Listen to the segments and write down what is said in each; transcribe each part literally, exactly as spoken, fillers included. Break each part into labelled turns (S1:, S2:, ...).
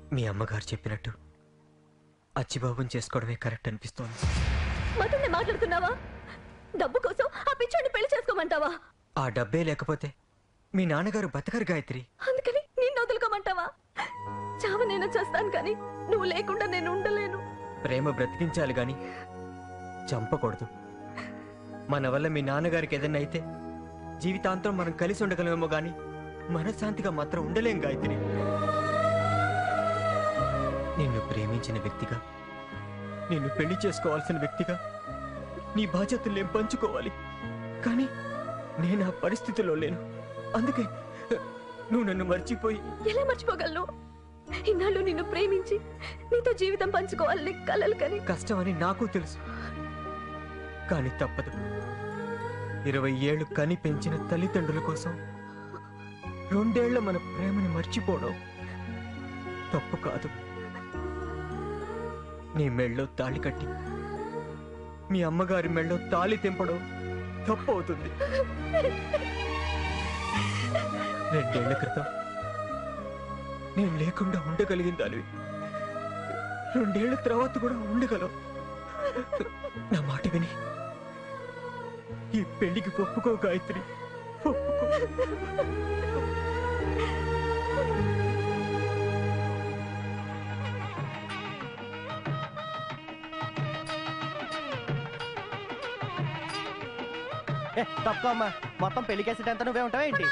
S1: మీ అమ్మగారు చెప్పినట్టు అచ్చిబాబుని చేసుకోవడమే కరెక్ట్ అనిపిస్తోంది.
S2: మతన్ని మాట్లాడుతున్నావా? డబ్బు కోసం ఆ పిచ్చోడిని పెళ్లి చేసుకోమంటావా?
S1: ఆ డబ్బే లేకపోతే మీ నాన్నగారు బతకరు గాయత్రి.
S2: అందుకని నిన్ను వదులుకోమంటావా? చావ నేను చేస్తాను కానీ నువ్వు లేకుండా నేను ఉండలేను.
S1: ప్రేమ బ్రతికించాలి గాని చంపకూడదు. మన వల్ల మీ నాన్నగారికి ఏదైనా అయితే జీవితాంతం మనం కలిసి ఉండగలమేమో గాని మనశ్శాంతిగా మాత్రం ఉండలేం గాయత్రి. నిన్ను ప్రేమించిన వ్యక్తిగా, నిన్ను పెళ్లి చేసుకోవాల్సిన వ్యక్తిగా నీ బాధ్యతలు నేను పంచుకోవాలి. కానీ నేను ఆ పరిస్థితిలో లేను. అందుకే నువ్వు నన్ను మర్చిపోయి.
S2: ఎలా మర్చిపోగలను? ఇన్నాళ్ళు నిన్ను ప్రేమించి నీతో జీవితం పంచుకోవాలని కలలు కని.
S1: కష్టమని నాకు తెలుసు, కానీ తప్పదు. ఇరవై ఏళ్ళు కని పెంచిన తల్లిదండ్రుల కోసం రెండేళ్ల మన ప్రేమని మర్చిపోవడం తప్పు కాదు. నీ మెళ్ళో తాళి కట్టి మీ అమ్మగారి మెళ్ళో తాళి తెంపడం తప్పు అవుతుంది. రెండేళ్ల క్రితం నేను లేకుండా ఉండగలిగిందానివి, రెండేళ్ల తర్వాత కూడా ఉండగలవు. నా మాట విని ఈ పెళ్లికి ఒప్పుకో గాయత్రి, ఒప్పుకో.
S3: తక్కువ అమ్మా, మొత్తం పెళ్లి కేసెట్ ఎంత నువ్వే ఉంటావా ఏంటి?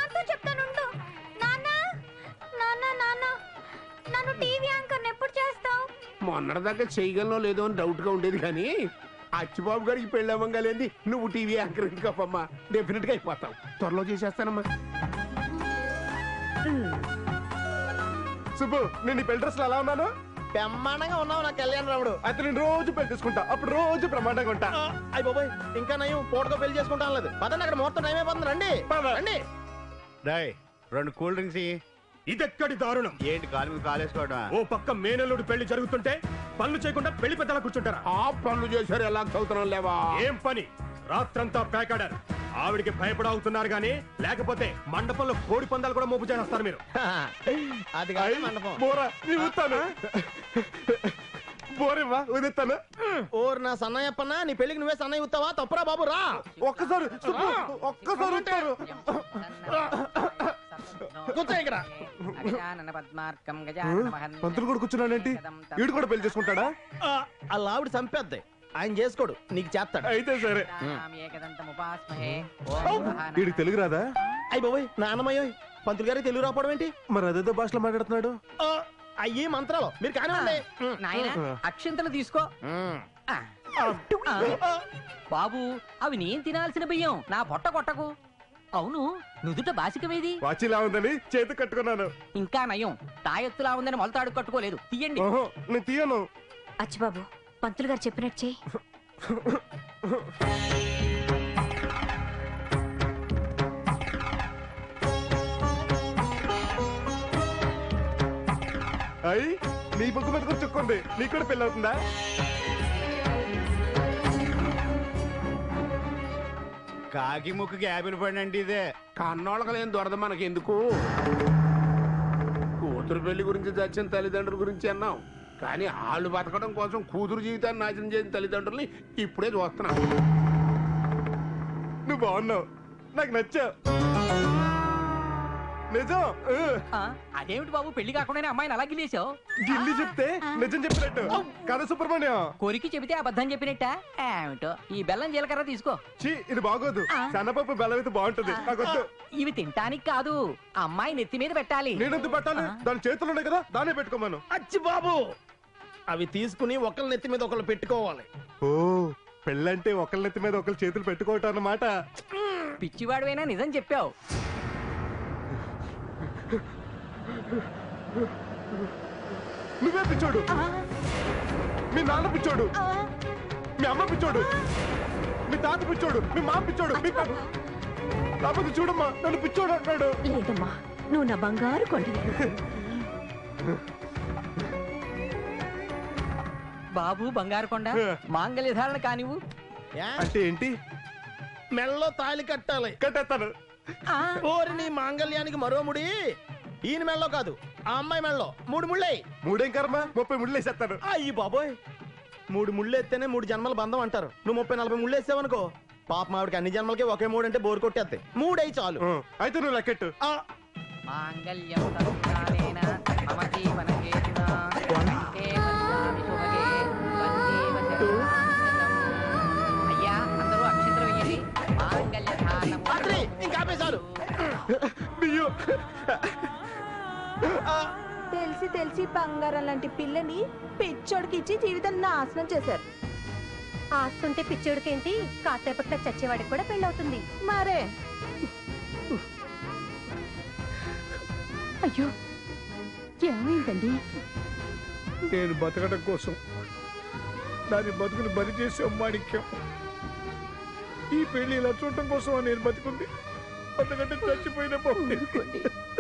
S4: మొన్నటి దాకా చేయగలనో లేదో అని డౌట్ గా ఉండేది, కానీ అచ్చిబాబు గారికి పెళ్లి అవ్వగలేంది నువ్వు టీవీ యాంకర్ ఎందుకమ్మా? డెఫినెట్ గా అయిపోతావు. త్వరలో చేసేస్తానమ్మా.
S5: సుబ్బు, నేను ఈ పెళ్లి డ్రెస్ ఎలా ఉన్నాను?
S3: బ్రహ్మాండంగా ఉన్నావు నా కళ్యాణ రాముడు.
S5: అయితే నేను రోజు పెళ్లి తీసుకుంటా, అప్పుడు రోజు ప్రమాణంగా ఉంటా.
S3: అయ్యి బాబాయ్, ఇంకా నయం పూటగా పెళ్లి చేసుకుంటా లేదు. పదండి, అక్కడ ముహూర్తం టైం అయిపోతుంది. రండి రండి.
S6: డాయ్ రెండు కూల్ డ్రింక్స్.
S5: ఇదెక్కడి దారుణం!
S6: ఏంటి కాలు మీద కాలేసుకోవడం?
S5: ఓ పక్క మేనల్లుడు పెళ్లి జరుగుతుంటే పనులు చేయకుండా పెళ్లి పెద్దలా కూర్చుంటారా?
S4: ఆ పనులు చేశారు, ఎలా చదువుతున్నాం లేవా?
S5: ఏం పని? రాత్రంతా పేకాడారు. ఆవిడికి భయపడవుతున్నారు గానీ లేకపోతే మండపంలో కోడి పందాలు కూడా మోపు చేస్తారు మీరు.
S3: అది కాదు మండపం.
S5: బోరా ఊతాను, బోరేవా ఊదిస్తాను.
S3: ఓరు నా సన్నయ్యప్పన్నా, నీ పెళ్లికి నువ్వే సన్నయ్య ఊతావా? తప్పురా బాబు, రా
S5: ఒక్కసారి ఒక్కసారి ఊతారు. పంతులు కూడా కూర్చున్నాడేంటి? వీడు కూడా పెళ్లి చేసుకుంటాడా?
S3: ఆ లావిడ చంపేద్ది, ఆయన చేసుకోడు, నీకు చేస్తాడు.
S5: అయితే సరే. వీడికి తెలుగు రాదా?
S3: అయ్యి బాబోయ్, నాన్నమయ్యో, పంతులు గారికి తెలుగు రాకపోవడం ఏంటి?
S5: మరి అదేదో భాషలో మాట్లాడుతున్నాడు.
S3: అయ్యి మంత్రాలు మీరు కానివ్వండి.
S7: అక్షంతలు తీసుకో బాబు. అవి నేను తినాల్సిన బియ్యం, నా పొట్ట కొట్టకు. అవును, నుదుట బాసికమేది?
S5: వాచిలా ఉందని చేతి కట్టుకున్నాను.
S7: ఇంకా నయం, తాయెత్తులా ఉందని మొలతాడు కట్టుకోలేదు. తీయండి.
S5: నేను తీయను.
S2: అచ్చిబాబు, పంతులు గారు చెప్పినట్టు చెయ్యి.
S5: అయ్యి నీ బుక్ మీద కూడా చుక్కుంది, నీకు కూడా పెళ్ళి అవుతుందా?
S6: కాకి ముక్కుకి యాపిల్ పడినండి ఇదే.
S4: కన్నోళ్ళకి లేని దొరద మనకి ఎందుకు? కూతురు పెళ్లి గురించి చచ్చిన తల్లిదండ్రుల గురించి అన్నాం, కానీ వాళ్ళు బతకడం కోసం కూతురు జీవితాన్ని నాశనం చేసిన తల్లిదండ్రుల్ని ఇప్పుడే చూస్తున్నాం.
S5: నువ్వు బాగున్నావు, నాకు నచ్చావు. నిజం.
S7: అదేమిటి బాబు, పెళ్లి కాకుండానే అమ్మాయిని అలా గిలేసావు?
S5: గిల్లి చెప్తే నిజం చెప్పినట్టు కదా సుబ్రహ్మణ్యం?
S7: కొరికి చెబితే అబద్ధం చెప్పినట్ట ఏమిటో. ఈ బెల్లం జీలకర్ర తీసుకో.
S5: చీ, ఇది బాగోదు. సన్నపప్పు బెల్లం అయితే బాగుంటది. నాకొద్దు.
S7: ఇవి తింటానికి కాదు, అమ్మాయి నెత్తి మీద పెట్టాలి.
S5: నేనెందుకు పెట్టాలి? దాని చేతులు ఉన్నాయి కదా, దాన్నే పెట్టుకోమను.
S3: అచ్చి బాబు, అవి తీసుకుని ఒకళ్ళ నెత్తి మీద ఒకళ్ళు పెట్టుకోవాలి.
S5: ఓ, పెళ్ళంటే ఒకళ్ళ నెత్తి మీద ఒకళ్ళు చేతులు పెట్టుకోవటం అన్నమాట.
S7: పిచ్చివాడువైనా నిజం చెప్పావు.
S5: నువ్వే పిచ్చోడు, మీ నాన్న పిచ్చోడు, మీ అమ్మ పిచ్చోడు, మీ తాత పిచ్చోడు, మీ మామ పిచ్చోడు. కాకపోతే చూడమ్మా, నన్ను పిచ్చోడు అంటాడు.
S2: లేదమ్మా, నువ్వు నా బంగారు కొండ.
S7: బాబు బంగారు కొండ, మాంగళ్య ధారణ కానివ్వు.
S5: అంటే ఏంటి?
S3: మెల్లో తాళి కట్టాలి.
S5: కట్టేస్తాను.
S3: ఓరి నీ మాంగళ్యానికి మరో ముడి ఈయన మెల్లో కాదు, ఆ అమ్మాయి మెళ్ళలో మూడు ముళ్ళే.
S5: మూడేం కర్మ, ముప్పై ముళ్ళు వేసేస్తాను.
S3: అయ్యి బాబోయ్, మూడు ముళ్ళు ఎత్తేనే మూడు జన్మల బంధం అంటారు. నువ్వు ముప్పై నలభై ముళ్ళు వేసావనుకో, పాప మావిడికి అన్ని జన్మలకి ఒకే మూడు అంటే బోరు కొట్టేస్తాయి. మూడై చాలు.
S5: ఆ, అయితే నువ్వు లెక్కెట్టు.
S3: ఆ,
S7: మాంగళ్యం తత్కాలేన మమ జీవన హేతునా కంఠే పశ్యామి శుభగే వందేవ శరణం. అయ్యా అందరూ అక్షంతలు వేయండి. మాంగళ్య ధానము.
S3: ఆత్రి, ఇంకా ఆపే చాలు.
S5: బియ్యం.
S8: తెలిసి తెలిసి బంగారం లాంటి పిల్లని పిచ్చోడికి ఇచ్చి జీవితం నాశనం చేశారు.
S2: ఆస్తుంటే పిచ్చోడికేంటి, కాసేపట్లో చచ్చేవాడికి కూడా పెళ్ళవుతుంది.
S8: మరే
S2: అయ్యో ఏమైందండి?
S4: నేను బతకడం కోసం దాని బతుకుని బలి చేసే మాణిక్యం. ఈ పెళ్లి ఇలా చూడటం కోసం నేను బతుకుంది, అంతకంటే చచ్చిపోయిన బాగుంది.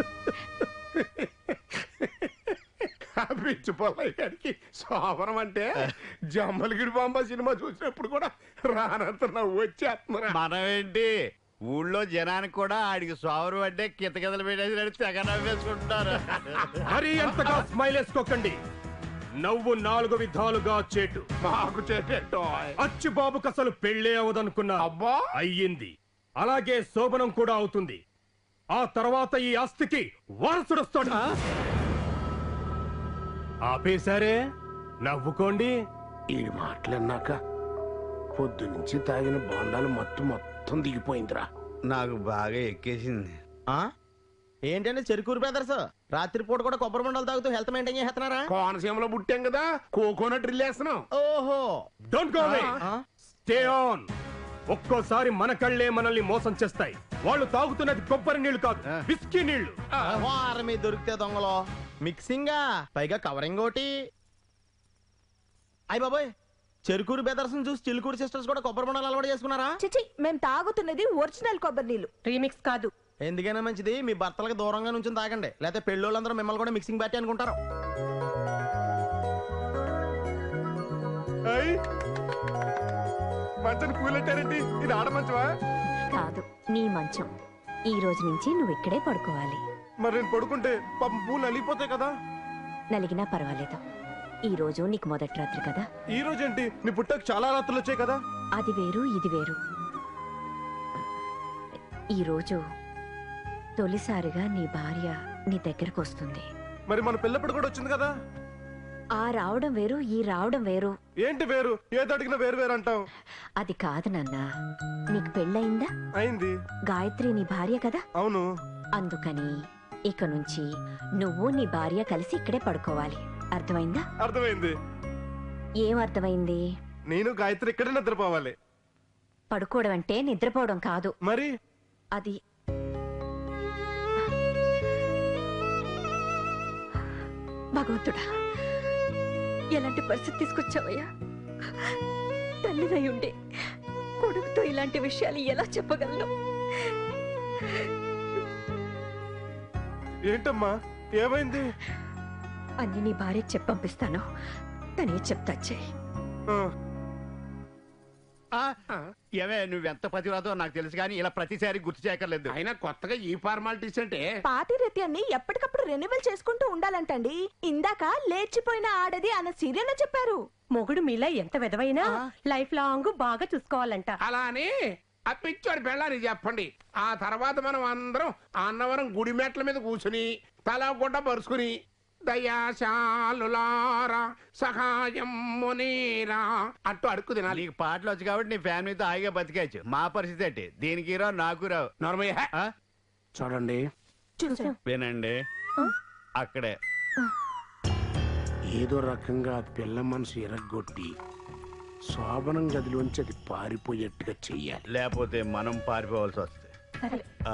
S4: పిచ్చి పొల్లయ్య గారికి సోమరం అంటే జమ్మలగిడి బాంబ సినిమా చూసినప్పుడు కూడా రానంత నవ్వు వచ్చేస్తున్నా.
S6: మనం ఏంటి ఊళ్ళో జనానికి కూడా ఆడికి సోమరు అంటే కితకితలు పెట్టేసి తెగ నవ్వేసుకుంటున్నారు.
S5: మరి ఎంతగా స్మైల్ వేసుకోకండి. నవ్వు నాలుగు విధాలుగా చేటు.
S4: మాకు చేసేటో
S5: అచ్చుబాబుకి అసలు పెళ్ళే అవదనుకున్నా,
S4: అబ్బా
S5: అయ్యింది. అలాగే శోభనం కూడా అవుతుంది. ఆ తర్వాత ఈ ఆస్తికి వారసుడొస్తాడు. ఆపేశారే, నవ్వుకోండి.
S4: ఈ మాటలన్నాక పొద్దు నుంచి తాగిన బొండాలు మొత్తం మొత్తం దిగిపోయిందిరా.
S6: నాకు బాగా ఎక్కేసింది.
S3: ఆ? ఏంటంటే చెరుకూరు బ్రదర్స్ రాత్రిపూట కూడా కొబ్బరి మండలు తాగుతూ హెల్త్ మెయింటైన్ చేస్తున్నారా?
S4: కోనసీమలో పుట్టాం కదా, కోకోనట్ డ్రిల్ వేస్తున్నాం.
S3: ఓహో,
S5: డోంట్ గో అవే,
S3: ఆ?
S5: Stay on. ఒక్కోసారి మన కళ్ళే మనల్ని మోసం చేస్తాయి. వాళ్ళు తాగుతున్నది కొబ్బరి నీళ్లు కాదు, విస్కీ నీళ్లు.
S3: వారం మీద దొరికితే దొంగలో మిక్సింగ్, పైగా కవరింగ్ ఒకటి. అయ్య బాబోయ్, చెరుకూరు బెదర్స్ చూసి చిలుకూరు సిస్టర్స్ కూడా కొబ్బరి బొండాలు అలవాటు చేసుకున్నారా?
S8: చిచి, మేము తాగుతున్నది ఒరిజినల్ కొబ్బరి నీళ్ళు,
S2: రీమిక్స్ కాదు.
S3: ఎందుకైనా మంచిది మీ భర్తలకు దూరంగా నుంచి తాగండి, లేకపోతే పెళ్ళోళ్ళందరూ మిమ్మల్ని కూడా మిక్సింగ్ పార్టీ అనుకుంటారు.
S5: మంచం కూలెట్టారండి, ఇది ఆడ మంచమా?
S2: కాదు, నీ మంచం. ఈ రోజు నుంచి నువ్వు ఇక్కడే పడుకోవాలి.
S5: మరి నేను పడుకుంటే పాపం పూలు అలిగిపోతాయి కదా.
S2: నలిగినా పర్వాలేదు, ఈ రోజు నీకు మొదటి రాత్రి కదా.
S5: ఈ రోజు ఏంటి, నీ పుట్టకు చాలా రాత్రులు వచ్చాయి కదా.
S2: అది వేరు, ఇది వేరు. ఈ రోజు తొలిసారిగా నీ భార్య నీ దగ్గరకు వస్తుంది.
S5: మరి మన పిల్లప్పుడు కూడా వచ్చింది కదా.
S2: ఆ రావడం వేరు, ఈ రావడం వేరు.
S5: ఏంటి వేరు? ఏది అడిగినా వేరు వేరు అంటావు.
S2: అది కాదు నాన్న, నీకు పెళ్ళయిందా?
S5: అయింది.
S2: గాయత్రి నీ భార్య కదా.
S5: అవును.
S2: అందుకని ఇక నుంచి నువ్వు నీ భార్య కలిసి ఇక్కడే పడుకోవాలి. అర్థమైందా?
S5: అర్థమైంది.
S2: ఏం అర్థమైంది?
S5: నేను గాయత్రి ఇక్కడే నిద్రపోవాలి.
S2: పడుకోవడం అంటే నిద్రపోవడం కాదు.
S5: మరి
S2: అది భగవంతుడా, ఎలాంటి పరిస్థితి తీసుకొచ్చావయ్యా? తల్లిదై ఉండి కొడుకుతో ఇలాంటి విషయాలు ఎలా చెప్పగలను?
S5: ఏంటమ్మా, ఏమైంది?
S2: అన్ని నీ భార్య చెప్పి పంపిస్తాను, తనే చెప్తా చెయ్యి.
S6: ఏమే నువ్వెంత పతివ్రతో నాకు తెలుసు కానీ ఇలా ప్రతిసారి గుర్తు చేయక్కర్లేదు.
S4: అయినా కొత్తగా ఈ ఫార్మాలిటీస్ అంటే
S8: పాతిరేత్యాన్ని ఎప్పటికప్పుడు రెన్యువల్ చేసుకుంటూ ఉండాలంటండి. ఇందాక లేచిపోయిన ఆడది అన్న సీరియల్ చెప్పారు.
S2: మొగుడు మీలా ఎంత విధవైనా లైఫ్ లాంగ్ బాగా చూసుకోవాలంట.
S4: అలా అని ఆ పిచ్చోడి పెళ్ళాని చెప్పండి. ఆ తర్వాత మనం అందరం అన్నవరం గుడి మెట్ల మీద కూర్చుని తల గుడ్డ పరుచుకుని దయాశాలులారా సహాయం మునీరా అంటూ అడుక్కు తినాలి.
S6: నీకు పాటలు వచ్చు కాబట్టి నీ ఫ్యామిలీతో హాయిగా బతికేయచ్చు. మా పరిస్థితి ఏంటి? దీనికి రావు, నాకు రావు.
S4: నార్మయ్య
S6: ఆ?
S4: చూడండి,
S6: వినండి, అక్కడే
S4: ఏదో రకంగా పిల్ల మనసు ఎరగొట్టి శోభనం గదిలోంచి అది పారిపోయేట్టుగా చెయ్యాలి.
S6: లేకపోతే మనం పారిపోవాల్సి వస్తుంది. ఆ.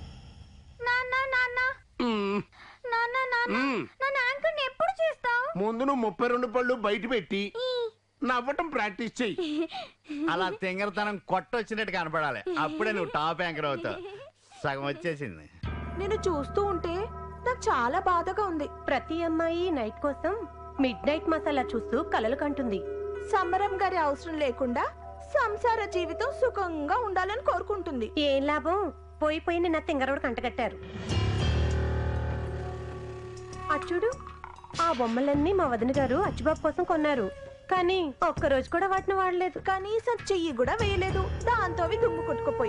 S4: మ్మ్. మ్మ్.
S8: ఎప్పుడు చేస్తావు?
S4: ముందు నువ్వు ముప్పై రెండు పళ్ళు బయట పెట్టి నవ్వటం ప్రాక్టీస్ చెయ్యి.
S6: అలా తింగరతనం కొట్టొచ్చినట్టు కనపడాలి, అప్పుడే నువ్వు టాప్ యాంకర్ అవుతావు. సగం వచ్చేసింది.
S8: నేను చూస్తూ ఉంటే నాకు చాలా బాధగా ఉంది.
S2: ప్రతి అమ్మాయి నైట్ కోసం మిడ్ నైట్ మసాలా చూస్తూ కలలు కంటుంది.
S8: సమరం గారి అవసరం లేకుండా సంసార జీవితం సుఖంగా ఉండాలని కోరుకుంటుంది.
S2: ఏం లాభం, పోయి పోయి నిన్న తింగరోడు కంటగట్టారు.
S9: అచ్చుడు ఆ బొమ్మలన్నీ మా వదిన గారు అచ్చుబాబు కోసం కొన్నారు, కానీ ఒక్క రోజు కూడా వాటిని వాడలేదు.
S8: కనీసం చెయ్యి కూడా వేయలేదు. దాంతో అవి దుమ్ము కొట్టుకుపోయి